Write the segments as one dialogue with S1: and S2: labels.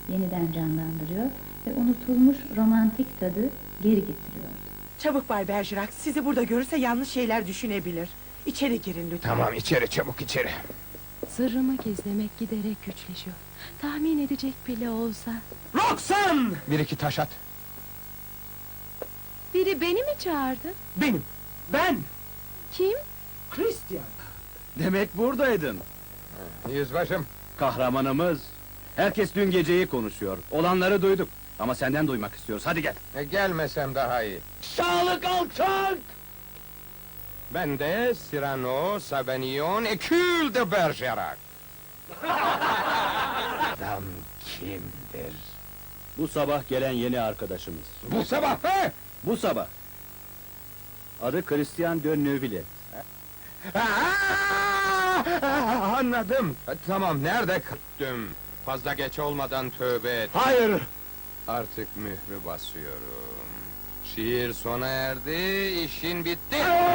S1: yeniden canlandırıyor ve unutulmuş romantik tadı geri getiriyordu.
S2: Çabuk Bay Bergerac, sizi burada görürse yanlış şeyler düşünebilir. İçeri girin lütfen.
S3: Tamam, içeri, çabuk içeri.
S4: Sırrımı gizlemek giderek güçleşiyor. Tahmin edecek bile olsa.
S3: Roxanne! Bir iki taş at.
S4: Biri beni mi çağırdı?
S5: Benim, ben,
S4: Kim?
S5: Christian. Demek buradaydın.
S3: Yüzbaşım.
S5: Kahramanımız. Herkes dün geceyi konuşuyor. Olanları duyduk. Ama senden duymak istiyoruz. Hadi gel.
S3: Gelmesem daha iyi.
S5: Sağlık alçak!
S3: Ben de Cyrano, Sabanion, Hercule de Bergerac. Adam kimdir?
S5: Bu sabah gelen yeni arkadaşımız.
S3: Bu sabah be!
S5: Bu sabah. Adı Christian de Neuville.
S3: Anladım. Tamam, nerede kırttım? Fazla geç olmadan tövbe et.
S5: Hayır!
S3: Artık mührü basıyorum. Şiir sona erdi, işin bitti.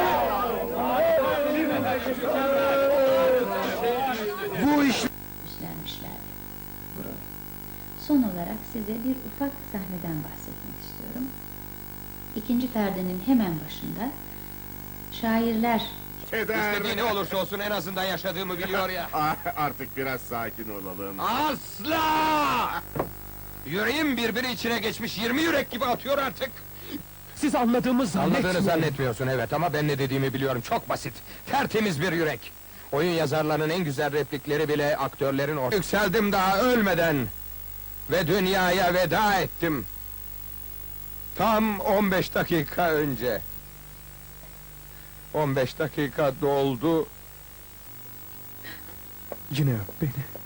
S5: Bu iş...
S1: İşlenmişlerdi bu rol. Son olarak size bir ufak sahneden bahsetmek istiyorum. İkinci perdenin hemen başında şairler
S3: İstediği ne olursa olsun en azından yaşadığımı biliyor ya.
S6: Artık biraz sakin olalım.
S3: Asla! Yüreğim birbiri içine geçmiş 20 yürek gibi atıyor artık.
S5: Siz anladığımı
S3: Anladığını zannetmiyorsun evet ama ben ne dediğimi biliyorum, çok basit. Tertemiz bir yürek. Oyun yazarlarının en güzel replikleri bile aktörlerin ortaya. Yükseldim daha ölmeden ve dünyaya veda ettim. Tam 15 dakika önce. 15 dakika doldu.
S5: Yine öp beni.